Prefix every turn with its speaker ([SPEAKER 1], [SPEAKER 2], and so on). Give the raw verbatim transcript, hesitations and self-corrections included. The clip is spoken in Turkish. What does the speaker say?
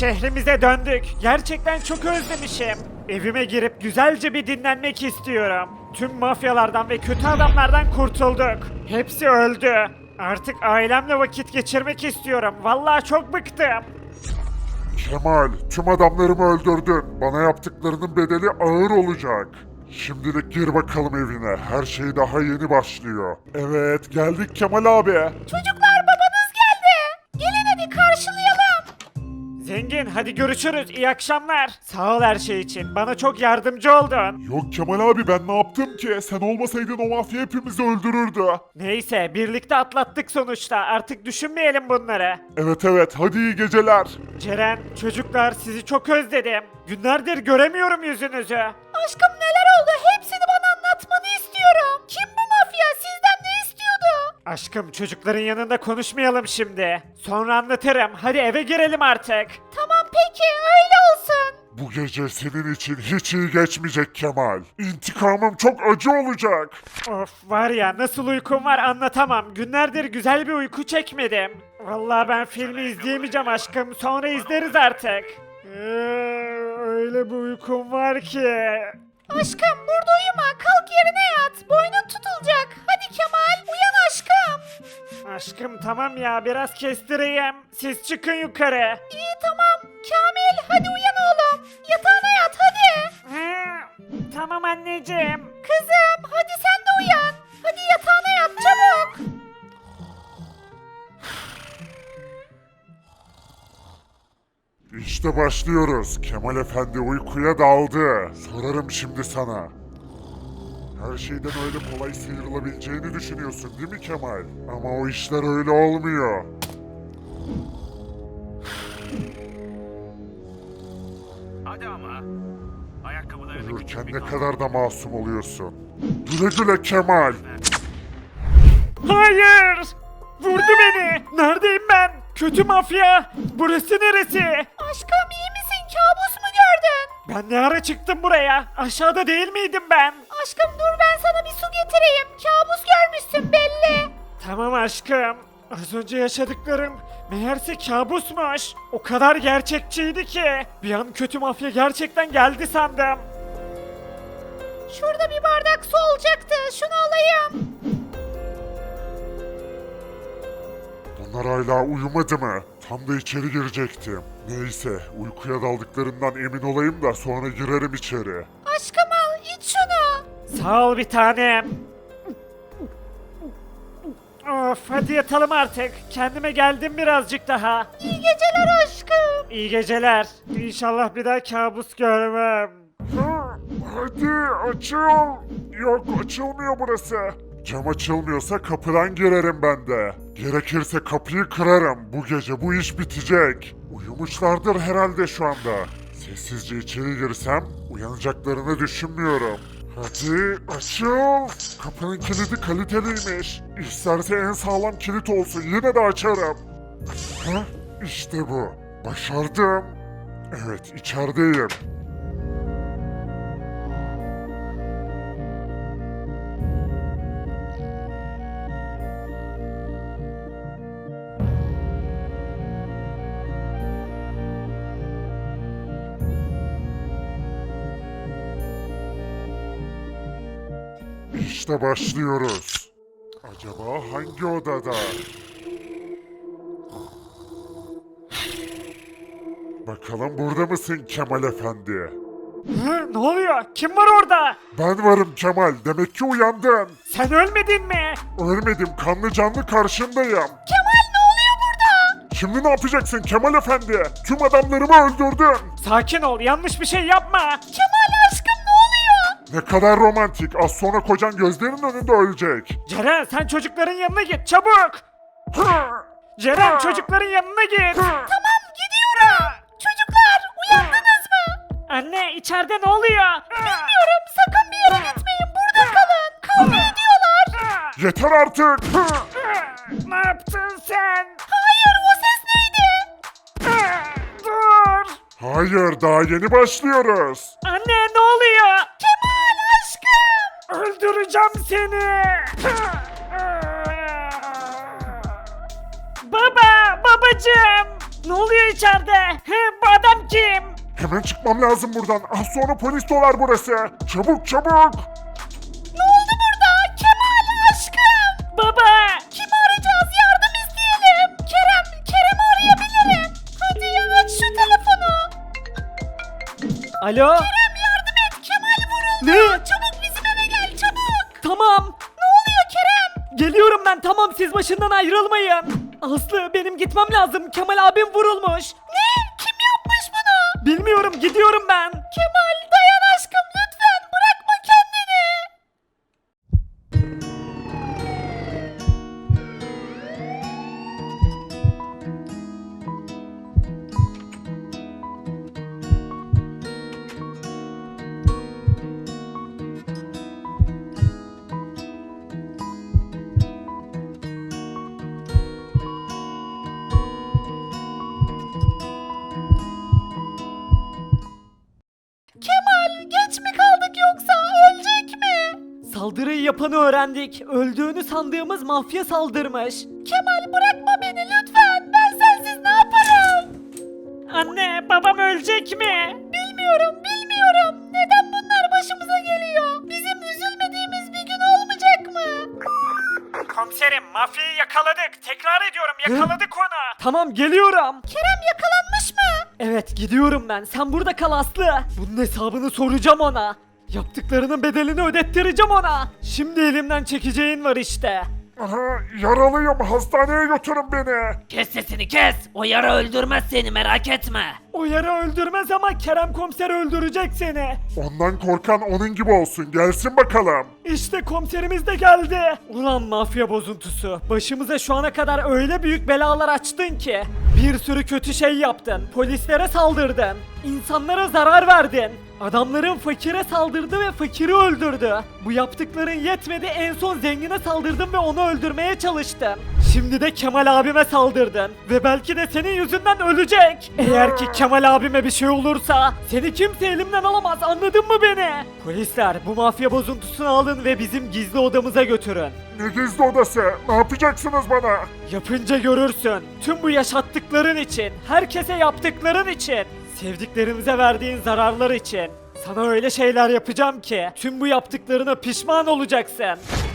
[SPEAKER 1] şehrimize döndük. Gerçekten çok özlemişim. Evime girip güzelce bir dinlenmek istiyorum. Tüm mafyalardan ve kötü adamlardan kurtulduk. Hepsi öldü. Artık ailemle vakit geçirmek istiyorum. Vallahi çok bıktım.
[SPEAKER 2] Kemal, tüm adamlarımı öldürdün. Bana yaptıklarının bedeli ağır olacak. Şimdilik gir bakalım evine. Her şey daha yeni başlıyor. Evet, geldik Kemal abi.
[SPEAKER 3] Çocuklar babanız geldi. Gelin hadi karşılayalım.
[SPEAKER 1] Zengin, hadi görüşürüz. İyi akşamlar. Sağ ol her şey için. Bana çok yardımcı oldun.
[SPEAKER 2] Yok Kemal abi, ben ne yaptım ki? Sen olmasaydın o mafya hepimizi öldürürdü.
[SPEAKER 1] Neyse, birlikte atlattık sonuçta. Artık düşünmeyelim bunları.
[SPEAKER 2] Evet evet, hadi iyi geceler.
[SPEAKER 1] Ceren, çocuklar sizi çok özledim. Günlerdir göremiyorum yüzünüzü.
[SPEAKER 3] Aşkım neler oldu? Hepsini bana anlatmanı istiyorum. Kim bu mafya? Sizden ne istiyordu?
[SPEAKER 1] Aşkım, çocukların yanında konuşmayalım şimdi. Sonra anlatırım. Hadi eve girelim artık.
[SPEAKER 3] Tamam peki öyle olsun.
[SPEAKER 2] Bu gece senin için hiç iyi geçmeyecek Kemal. İntikamım çok acı olacak.
[SPEAKER 1] Of, var ya, nasıl uykum var anlatamam. Günlerdir güzel bir uyku çekmedim. Vallahi ben filmi izleyemeyeceğim aşkım. Sonra izleriz artık. Ee, öyle bir uykum var ki.
[SPEAKER 3] Aşkım burada uyuma. Kalk yerine yat. Boynun tutulacak. Hadi Kemal uyan aşkım.
[SPEAKER 1] Aşkım tamam ya, biraz kestireyim. Siz çıkın yukarı.
[SPEAKER 3] İyi tamam. Kamil hadi uyan oğlum. Yatağına yat hadi.
[SPEAKER 1] Hı, tamam anneciğim.
[SPEAKER 3] Kızım hadi sen de uyan. Hadi yatağına yat çabuk.
[SPEAKER 2] İşte başlıyoruz. Kemal Efendi uykuya daldı. Sorarım şimdi sana. Her şeyden öyle kolay sıyrılabileceğini düşünüyorsun değil mi Kemal? Ama o işler öyle olmuyor.
[SPEAKER 4] Hadi ama. Ayakkabılarını
[SPEAKER 2] Uyurken ne kadar da masum oluyorsun. Güle güle Kemal.
[SPEAKER 1] Hayır! Vurdu beni! Neredeyim ben? Kötü mafya! Burası neresi?
[SPEAKER 3] Aşkım iyi misin? Kabus mu gördün?
[SPEAKER 1] Ben ne ara çıktım buraya? Aşağıda değil miydim ben?
[SPEAKER 3] Aşkım dur ben sana bir su getireyim. Kabus görmüşsün belli.
[SPEAKER 1] Tamam aşkım. Az önce yaşadıklarım meğerse kabusmuş. O kadar gerçekçiydi ki. Bir an kötü mafya gerçekten geldi sandım.
[SPEAKER 3] Şurada bir bardak su olacaktı. Şunu alayım.
[SPEAKER 2] Bunlar hala uyumadı mı? Tam da içeri girecektim. Neyse, uykuya daldıklarından emin olayım da sonra girerim içeri.
[SPEAKER 3] Aşkım al iç şunu.
[SPEAKER 1] Sağ ol bir tanem. Of, hadi yatalım artık. Kendime geldim birazcık daha.
[SPEAKER 3] İyi geceler aşkım.
[SPEAKER 1] İyi geceler. İnşallah bir daha kabus görmem.
[SPEAKER 2] Hadi açıl. Yok, açılmıyor burası. Cam açılmıyorsa kapıdan girerim ben de. Gerekirse kapıyı kırarım. Bu gece bu iş bitecek. Uyumuşlardır herhalde şu anda. Sessizce içeri girsem uyanacaklarını düşünmüyorum. Hadi açıl. Kapının kilidi kaliteliymiş. İsterse en sağlam kilit olsun, yine de açarım. Hah, işte bu. Başardım. Evet, içerideyim. İşte başlıyoruz. Acaba hangi odada? Bakalım burada mısın Kemal Efendi?
[SPEAKER 1] Hı, ne oluyor? Kim var orada?
[SPEAKER 2] Ben varım Kemal. Demek ki uyandın.
[SPEAKER 1] Sen ölmedin mi?
[SPEAKER 2] Ölmedim. Kanlı canlı karşındayım.
[SPEAKER 3] Kemal ne oluyor burada?
[SPEAKER 2] Şimdi ne yapacaksın Kemal Efendi? Tüm adamlarımı öldürdün.
[SPEAKER 1] Sakin ol, yanlış bir şey yapma.
[SPEAKER 3] Kemal aşkım ne oluyor?
[SPEAKER 2] Ne kadar romantik. Az sonra kocan gözlerinin önünde ölecek.
[SPEAKER 1] Ceren, sen çocukların yanına git çabuk. Ceren, çocukların yanına git.
[SPEAKER 3] Tamam gidiyorum. Çocuklar uyandınız mı?
[SPEAKER 1] Anne, içeride ne oluyor?
[SPEAKER 3] Bilmiyorum sakın bir yere gitmeyin burada kalın. Kavga ediyorlar.
[SPEAKER 2] Yeter artık.
[SPEAKER 1] Ne yaptın sen?
[SPEAKER 3] Hayır o ses neydi?
[SPEAKER 1] Dur.
[SPEAKER 2] Hayır, daha yeni başlıyoruz.
[SPEAKER 1] Anne, ne oluyor?
[SPEAKER 3] Kemal aşkım.
[SPEAKER 1] Öldüreceğim seni. Baba, babacığım. Ne oluyor içeride? He, bu adam kim?
[SPEAKER 2] Hemen çıkmam lazım buradan. Az sonra polis dolar burası. Çabuk çabuk.
[SPEAKER 3] Ne oldu burada? Kemal aşkım.
[SPEAKER 1] Baba!
[SPEAKER 3] Kimi arayacağız? Yardım isteyelim. Kerem, Kerem'i arayabilirim. Hadi ya aç şu telefonu.
[SPEAKER 1] Alo?
[SPEAKER 3] Kerem yardım et. Kemal vuruldu.
[SPEAKER 1] Ne?
[SPEAKER 3] Çabuk bizim eve gel çabuk.
[SPEAKER 1] Tamam.
[SPEAKER 3] Ne oluyor Kerem?
[SPEAKER 1] Geliyorum ben, tamam, siz başından ayrılmayın. Aslı, benim gitmem lazım. Kemal abim vurulmuş.
[SPEAKER 3] Ne? Kim yapmış bunu?
[SPEAKER 1] Bilmiyorum, gidiyorum ben.
[SPEAKER 3] Kemal dayan aşkım lütfen bırakma kendini. Kemal geç mi kaldık yoksa ölecek mi?
[SPEAKER 1] Saldırıyı yapanı öğrendik. Öldüğünü sandığımız mafya saldırmış.
[SPEAKER 3] Kemal bırakma beni lütfen. Ben sensiz ne yaparım?
[SPEAKER 1] Anne, babam ölecek mi?
[SPEAKER 3] Bilmiyorum, bilmiyorum. Neden bunlar başımıza geliyor? Bizim üzülmediğimiz bir gün olmayacak mı?
[SPEAKER 1] Komiserim, mafyayı yakaladık. Tekrar ediyorum, yakaladık onu. Tamam, geliyorum.
[SPEAKER 3] Kerem yakalanmış mı?
[SPEAKER 1] Evet, gidiyorum ben. Sen burada kal Aslı. Bunun hesabını soracağım ona. Yaptıklarının bedelini ödettireceğim ona. Şimdi elimden çekeceğin var işte.
[SPEAKER 2] Aha, yaralıyım. Hastaneye götürün beni.
[SPEAKER 5] Kes sesini kes. O yara öldürmez seni merak etme.
[SPEAKER 1] O yara öldürmez ama Kerem komiser öldürecek seni.
[SPEAKER 2] Ondan korkan onun gibi olsun. Gelsin bakalım.
[SPEAKER 1] İşte komiserimiz de geldi. Ulan mafya bozuntusu. Başımıza şu ana kadar öyle büyük belalar açtın ki. Bir sürü kötü şey yaptın. Polislere saldırdın. İnsanlara zarar verdin. Adamların fakire saldırdı ve fakiri öldürdü. Bu yaptıkların yetmedi, en son zengine saldırdın ve onu öldürmeye çalıştın. Şimdi de Kemal abime saldırdın. Ve belki de senin yüzünden ölecek. Eğer ki Kemal abime bir şey olursa seni kimse elimden alamaz, anladın mı beni? Polisler, bu mafya bozuntusunu alın ve bizim gizli odamıza götürün.
[SPEAKER 2] Ne gizli odası? Ne yapacaksınız bana?
[SPEAKER 1] Yapınca görürsün. Tüm bu yaşattıkların için, herkese yaptıkların için, sevdiklerimize verdiğin zararlar için. Sana öyle şeyler yapacağım ki tüm bu yaptıklarına pişman olacaksın.